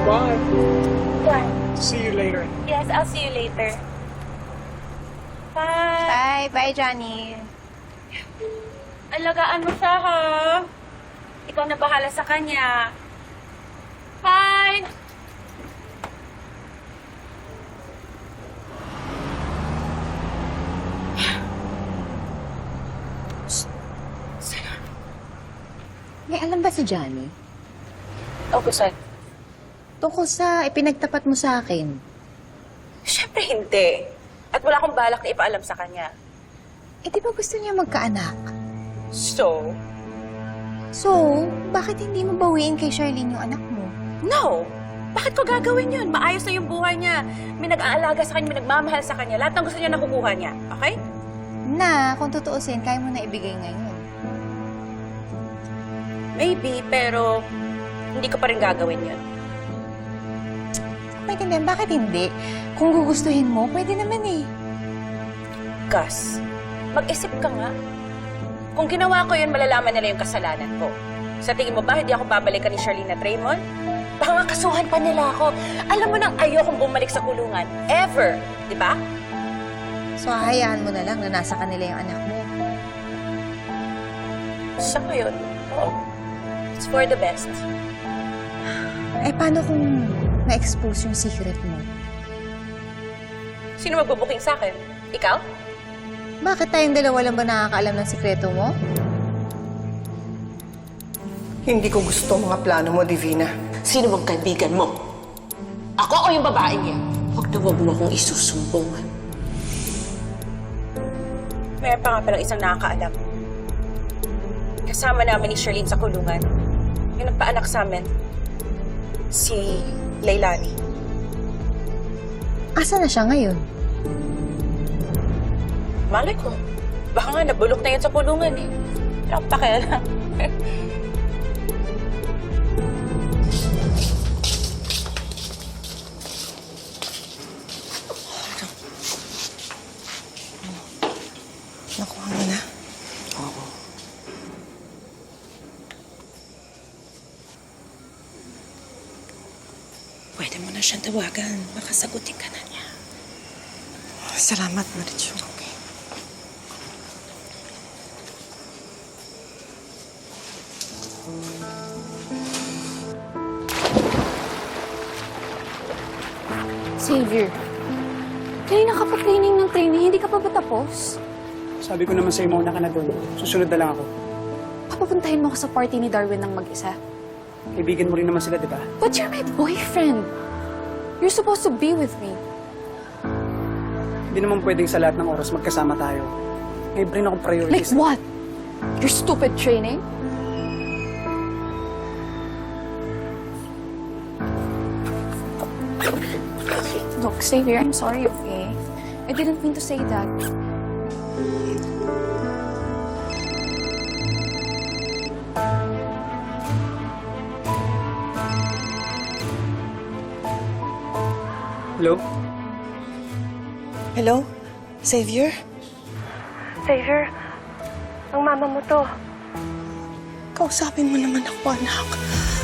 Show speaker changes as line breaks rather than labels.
Bye.
Bye.
See you later.
Yes, I'll see you later. Bye.
Bye. Bye, Johnny.
Alagaan mo siya, ha? Ikaw na bahala sa kanya. Bye!
May alam ba si Johnny?
Okay, sir.
Tungkol sa ipinagtapat mo sa akin.
Siyempre hindi. At wala akong balak na ipaalam sa kanya.
Eh, di ba gusto niya magkaanak?
So?
So, bakit hindi mo bawiin kay Charlene yung anak mo?
No! Bakit ko gagawin yun? Maayos na yung buhay niya. May nag-aalaga sa kanya, may nagmamahal sa kanya. Lahat ng gusto niya nakukuha niya. Okay?
Na, kung tutuusin, kaya mo na ibigay ngayon.
Maybe, pero hindi ko pa rin gagawin yun.
Maintindihan, bakit hindi? Kung gugustuhin mo, pwede naman eh.
Gus, mag-isip ka nga. Kung ginawa ko yun, malalaman nila yung kasalanan ko. Sa tingin mo ba, hindi ako babalikan ni Charlene at Raymond? Baka nga kasuhan pa nila ako. Alam mo nang ayokong bumalik sa kulungan. Ever. Di ba?
So, hahayaan mo na lang na nasa kanila yung anak mo.
Sa ngayon, oo. It's for the best.
Eh, paano kung na-expose yung secret mo?
Sino magbubuking sa akin? Ikaw?
Bakit tayong dalawa lang ba nakakaalam ng sikreto mo?
Hindi ko gusto mga plano mo, Divina.
Sino bang kaibigan mo? Ako o yung babaeng yan? Huwag na huwag mo akong isusumbong.
Mayroon pa nga palang isang nakakaalam. Kasama namin ni Charlene sa kulungan. Yung nagpaanak sa amin. Si Leilani.
Asa na siya ngayon?
Malay ko. Baka nga nabulok na yun sa kulungan eh. Wala akong pakialam.
Nakuha mo na?
Oo. Pwede mo na siyang tawagan. Makasagutin ka na niya.
Salamat, Marichu. Okay.
Xavier, kanina ka pa training ng training, hindi ka pa ba tapos?
Sabi ko naman sa'yo, mauna ka na doon. Susunod na lang ako.
Papapuntahin mo ako sa party ni Darwin ng mag-isa.
Kaibigan mo rin naman sila, di ba?
But you're my boyfriend. You're supposed to be with me.
Hindi naman pwedeng sa lahat ng oras magkasama tayo. May rin akong
Like
priorities.
what? Your stupid training? Look, Xavier, I'm sorry, okay? I didn't mean to say that.
Hello?
Hello? Xavier?
Xavier, ang mama mo to.
Kausapin mo naman ako, anak.